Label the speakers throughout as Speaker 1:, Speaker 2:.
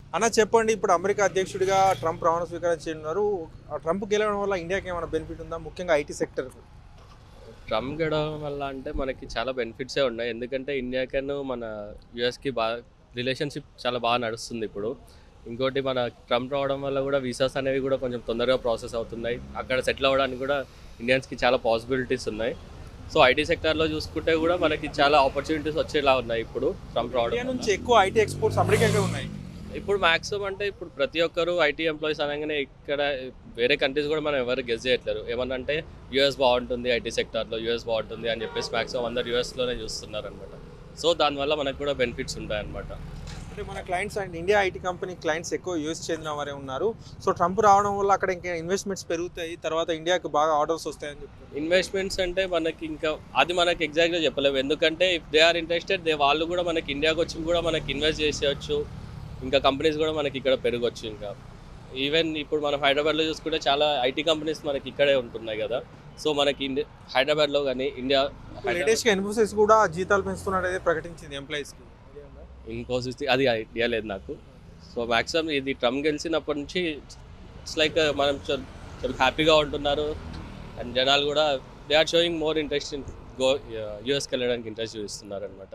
Speaker 1: అన్న చెప్పండి, ఇప్పుడు అమెరికా అధ్యక్షుడిగా ట్రంప్ ప్రమాణ స్వీకారం చేయనున్నారు. ఆ ట్రంప్ గెలవడం వల్ల ఇండియాకి ఏమైనా బెనిఫిట్ ఉందా, ముఖ్యంగా ఐటీ సెక్టర్కు?
Speaker 2: ట్రంప్ గెలవడం వల్ల అంటే మనకి చాలా బెనిఫిట్సే ఉన్నాయి. ఎందుకంటే ఇండియాకను మన యూఎస్‌కి రిలేషన్‌షిప్ చాలా బాగా నడుస్తుంది ఇప్పుడు. ఇంకోటి మన ట్రంప్ రావడం వల్ల కూడా వీసాస్ అనేవి కూడా కొంచెం తొందరగా ప్రాసెస్ అవుతున్నాయి. అక్కడ సెటిల్ అవ్వడానికి కూడా ఇండియన్స్‌కి చాలా పాసిబిలిటీస్ ఉన్నాయి. సో ఐటీ సెక్టార్‌లో చూసుకుంటే కూడా మనకి చాలా ఆపర్చునిటీస్ వచ్చేలా ఉన్నాయి ఇప్పుడు ట్రంప్ రావడం
Speaker 1: ఇండియా
Speaker 2: వల్ల.
Speaker 1: నుంచి ఎక్కువ ఐటీ ఎక్స్పోర్ట్స్ అమెరికాకే ఉన్నాయి.
Speaker 2: ఇప్పుడు మాక్సిమం అంటే ఇప్పుడు ప్రతి ఒక్కరు ఐటీ ఎంప్లాయీస్ అనగానే ఇక్కడ వేరే కంట్రీస్ కూడా మనం ఎవరు గెస్ చేయట్లేరు. ఏమన్నా అంటే యూఎస్ బాగుంటుంది, ఐటీ సెక్టార్లో యూఎస్ బాగుంటుంది అని చెప్పేసి మాక్సిమం అందరు యూఎస్లోనే చూస్తున్నారనమాట. సో దానివల్ల మనకు కూడా బెనిఫిట్స్ ఉంటాయన్నమాట.
Speaker 1: అంటే మన clients and India IT company clients ఎక్కువ యూఎస్ చెందిన వారే ఉన్నారు. సో ట్రంప్ రావడం వల్ల అక్కడ ఇంకా ఇన్వెస్ట్మెంట్స్ పెరుగుతాయి, తర్వాత ఇండియాకి బాగా ఆర్డర్స్ వస్తాయని చెప్తారు.
Speaker 2: ఇన్వెస్ట్మెంట్స్ అంటే మనకి ఇంకా అది మనకి ఎగ్జాక్ట్గా చెప్పలేము. ఎందుకంటే ఇఫ్ దే ఆర్ ఇంట్రెస్టెడ్ వాళ్ళు కూడా మనకి ఇండియాకి వచ్చి కూడా మనకి ఇన్వెస్ట్ చేసేయచ్చు. ఇంకా కంపెనీస్ కూడా మనకి ఇక్కడ పెరగవచ్చు. ఇంకా ఈవెన్ ఇప్పుడు మనం హైదరాబాద్లో చూసుకుంటే చాలా ఐటీ కంపెనీస్ మనకి ఇక్కడే ఉంటున్నాయి కదా. సో మనకి హైదరాబాద్లో కానీ ఇండియా
Speaker 1: లేటెస్ట్గా ఇన్ఫోసిస్ కూడా జీతాలు పెంచుతున్నట్టు ప్రకటించింది ఎంప్లాయీస్కి.
Speaker 2: ఇన్ఫోసిస్ అది ఐడియా లేదు నాకు. సో మ్యాక్సిమం ఇది ట్రంప్ గెలిచినప్పటి నుంచి ఇట్స్ లైక్ మనం చాలా హ్యాపీగా ఉంటున్నారు. అండ్ జనాలు కూడా they are showing more interest in యూఎస్కి వెళ్ళడానికి ఇంట్రెస్ట్ చూపిస్తున్నారు అనమాట.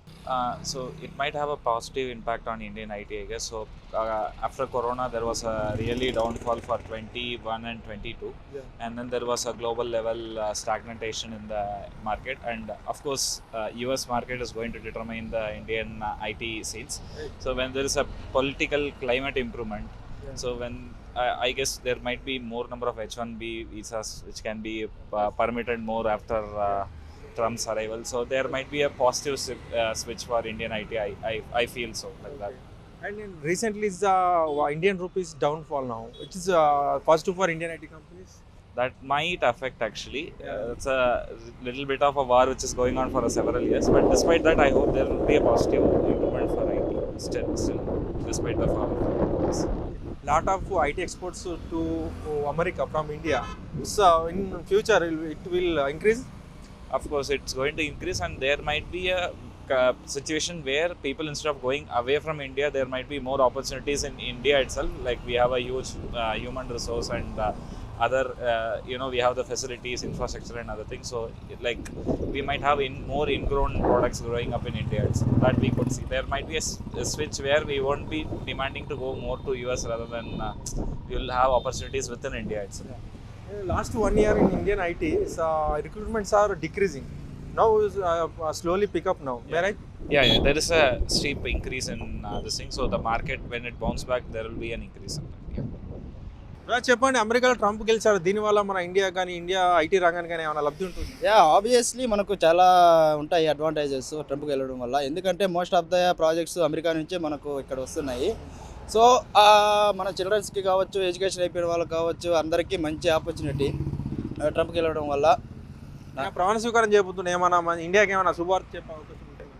Speaker 3: So it might have a positive impact on Indian IT, I guess. So after Corona, there was a really downfall for 21 and 22, and then there was a global level stagnation in the market. And of course, US market is going to determine the Indian IT sales. So when there is a political climate improvement, so when I guess there might be more number of H1B visas which can be permitted more after Trump's arrival. So there might be a positive switch for Indian IT. I feel so like that.
Speaker 1: And recently is the Indian rupees downfall now, which is positive for Indian IT companies.
Speaker 3: That might affect actually. It's a little bit of a war which is going on for several years. But despite that, I hope there will be a positive improvement for IT. Still, despite the fall.
Speaker 1: Lot of IT exports to America from India. So in future it will increase.
Speaker 3: Of course, it's going to increase, and there might be a situation where people, instead of going away from India, there might be more opportunities in India itself. Like we have a huge human resource and other, we have the facilities, infrastructure, and other things. So, like we might have more ingrown products growing up in India. That we could see. There might be a switch where we won't be demanding to go more to US rather than we will have opportunities within India itself.
Speaker 1: Last 1 year in Indian IT, recruitments are decreasing. Now is slowly pick up now. Am I right?
Speaker 3: Yeah, there is a steep increase in this thing. So the market, when it bounce back, there will be an increase in that. Yeah.
Speaker 1: చెప్పండి, అమెరికాలో Trump గెలిచారు, దీనివల్ల మన India కానీ India IT రంగానికి కానీ ఏమైనా లబ్ధి ఉంటుంది?
Speaker 4: ఆబ్వియస్లీ మనకు చాలా ఉంటాయి అడ్వాంటేజెస్ ట్రంప్కి వెళ్ళడం వల్ల. ఎందుకంటే most of the projects America నుంచే మనకు ఇక్కడ వస్తున్నాయి. సో మన చిల్డ్రన్స్కి కావచ్చు, ఎడ్యుకేషన్ అయిపోయిన వాళ్ళకి కావచ్చు, అందరికీ మంచి ఆపర్చునిటీ ట్రంప్కి వెళ్ళడం వల్ల.
Speaker 1: ప్రమాణ స్వీకారం చేయబోతున్నా, ఏమైనా మన ఇండియాకి ఏమైనా శుభార్త చెప్పే అవకాశం ఉంటుంది?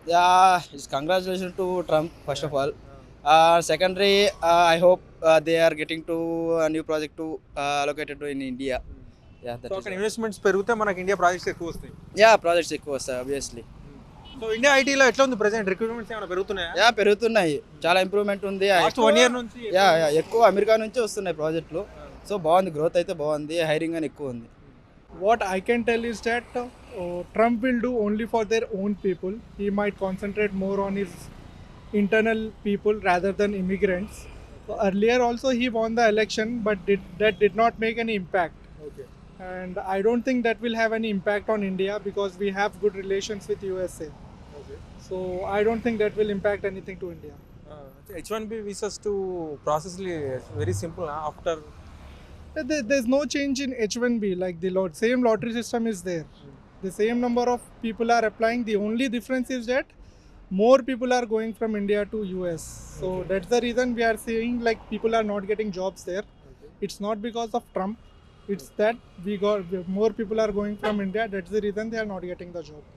Speaker 4: It's congratulation to Trump first of all. Secondary, I hope they are getting to new project to allocated to in India.
Speaker 1: అక్కడ ఇన్వెస్ట్మెంట్స్ పెరిగితే మనకి ఇండియా ప్రాజెక్ట్స్ ఎక్కువ వస్తాయి.
Speaker 4: ప్రాజెక్ట్స్ ఎక్కువ వస్తాయి ఆబ్వియస్లీ.
Speaker 1: సో ఇండియా ఐటీలో ఎట్లా ఉంది ప్రెసెంట్? రిక్రూట్మెంట్స్ ఏమైనా పెరుగుతున్నాయా?
Speaker 4: పెరుగుతున్నాయి, చాలా ఇంప్రూవ్మెంట్ ఉంది.
Speaker 1: లాస్ట్ 1 year నుంచి
Speaker 4: ఎక్కువ అమెరికా నుంచి వస్తున్నాయి ప్రాజెక్టులు. సో బాగుంది, గ్రోత్ అయితే బాగుంది, హైరింగ్ అని ఎక్కువ ఉంది.
Speaker 5: What I can tell is that Trump will do only for their own people. He might concentrate more on his internal people rather than immigrants. So earlier also he won the election, but that did not make any impact.
Speaker 1: Okay.
Speaker 5: And I don't think that will have any impact on India because we have good relations with USA.
Speaker 1: Okay.
Speaker 5: So I don't think that will impact anything to India.
Speaker 1: H1B visas to process very simple after.
Speaker 5: There's no change in H1B. Like the same lottery system is there. The same number of people are applying. The only difference is that more people are going from India to US. So that's the reason we are seeing like people are not getting jobs there. It's not because of Trump. It's that more people are going from India. That's the reason they are not getting the job.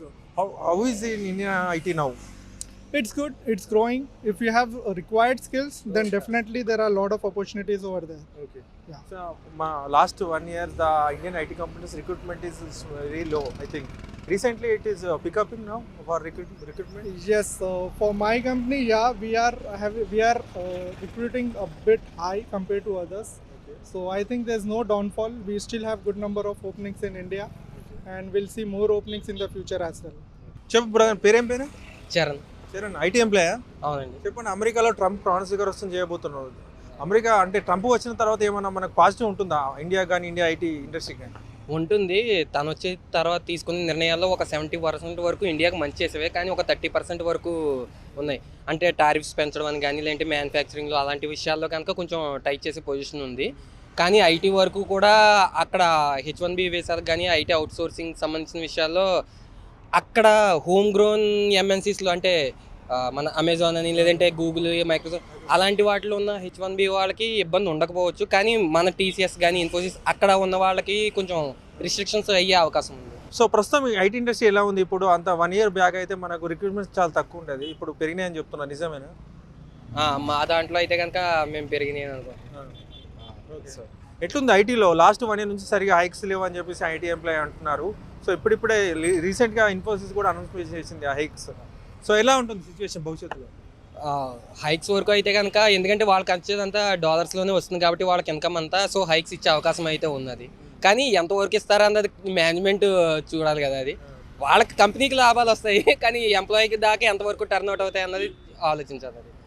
Speaker 1: How is in India IT now?
Speaker 5: It's good. It's growing. If you have required skills, then definitely there are a lot of opportunities over there.
Speaker 1: Okay.
Speaker 5: Yeah.
Speaker 1: So last 1 year the Indian IT companies recruitment is very low, I think. Recently, it is picking now for recruitment.
Speaker 5: Yes, so for my company, yeah, we are recruiting a bit high compared to others. So I think there's no downfall. We still have good number of openings in India, and we'll see more openings in the future as well.
Speaker 1: చెప్పు brother, పేరేం పేరు?
Speaker 6: Charan.
Speaker 1: Charan, IT ఎంప్లాయా?
Speaker 6: అవునండి.
Speaker 1: చెప్పండి, అమెరికాలో Trump ప్రాణ స్వీకారోత్సవం చేయబోతున్నారు. America అంటే ట్రంప్ వచ్చిన తర్వాత ఏమన్నా మనకు పాజిటివ్ ఉంటుందా ఇండియా కానీ, ఇండియా ఐటీ ఇండస్ట్రీ కానీ?
Speaker 6: ఉంటుంది. తను వచ్చిన తర్వాత తీసుకున్న నిర్ణయాల్లో ఒక 70% వరకు ఇండియాకి మంచి చేసేవే, కానీ ఒక 30% వరకు ఉన్నాయి. అంటే టారిఫ్స్ పెంచడం అని కానీ, లేదంటే మ్యానుఫ్యాక్చరింగ్లో అలాంటి విషయాల్లో కనుక కొంచెం టైట్ చేసే పొజిషన్ ఉంది. కానీ ఐటీ వరకు కూడా అక్కడ H1B వీసాలకు కానీ, ఐటీ అవుట్సోర్సింగ్ సంబంధించిన విషయాల్లో అక్కడ హోమ్ గ్రోన్ ఎంఎన్సీస్లో అంటే మన అమెజాన్ అని, లేదంటే గూగుల్, మైక్రోసాఫ్ట్ అలాంటి వాటిలో ఉన్న H1B వాళ్ళకి ఇబ్బంది ఉండకపోవచ్చు. కానీ మన TCS కానీ, ఇన్ఫోసిస్ అక్కడ ఉన్న వాళ్ళకి కొంచెం రిస్ట్రిక్షన్స్ అయ్యే అవకాశం ఉంది.
Speaker 1: సో ప్రస్తుతం ఈ ఐటీ ఇండస్ట్రీ ఎలా ఉంది ఇప్పుడు? అంత 1 year బ్యాక్ అయితే మనకు రిక్రూట్మెంట్స్ చాలా తక్కువ ఉంటుంది, ఇప్పుడు పెరిగినాయని చెప్తున్నారు, నిజమేనా?
Speaker 6: మా దాంట్లో అయితే కనుక మేము పెరిగినాయి అనుకో.
Speaker 1: సో ఎట్లుంది ఐటీలో? లాస్ట్ 1 year నుంచి సరిగా హైక్స్ లేవు అని చెప్పేసి ఐటీ ఎంప్లాయ్ అంటున్నారు. సో ఇప్పుడిప్పుడే రీసెంట్గా ఇన్ఫోసిస్ కూడా అనౌన్స్మెంట్ చేసింది ఆ హైక్స్. సో ఎలా ఉంటుంది సిచ్యువేషన్ భవిష్యత్తులో?
Speaker 6: హైక్స్ వరకు అయితే కనుక, ఎందుకంటే వాళ్ళకి వచ్చేదంతా డాలర్స్లోనే వస్తుంది కాబట్టి వాళ్ళకి ఇన్కమ్ అంతా, సో హైక్స్ ఇచ్చే అవకాశం అయితే ఉన్నది. కానీ ఎంతవరకు ఇస్తారా అన్నది మేనేజ్మెంట్ చూడాలి కదా. అది వాళ్ళకి కంపెనీకి లాభాలు వస్తాయి, కానీ ఎంప్లాయీకి దాకా ఎంతవరకు టర్న్ అవుట్ అవుతాయి అన్నది ఆలోచించాలి.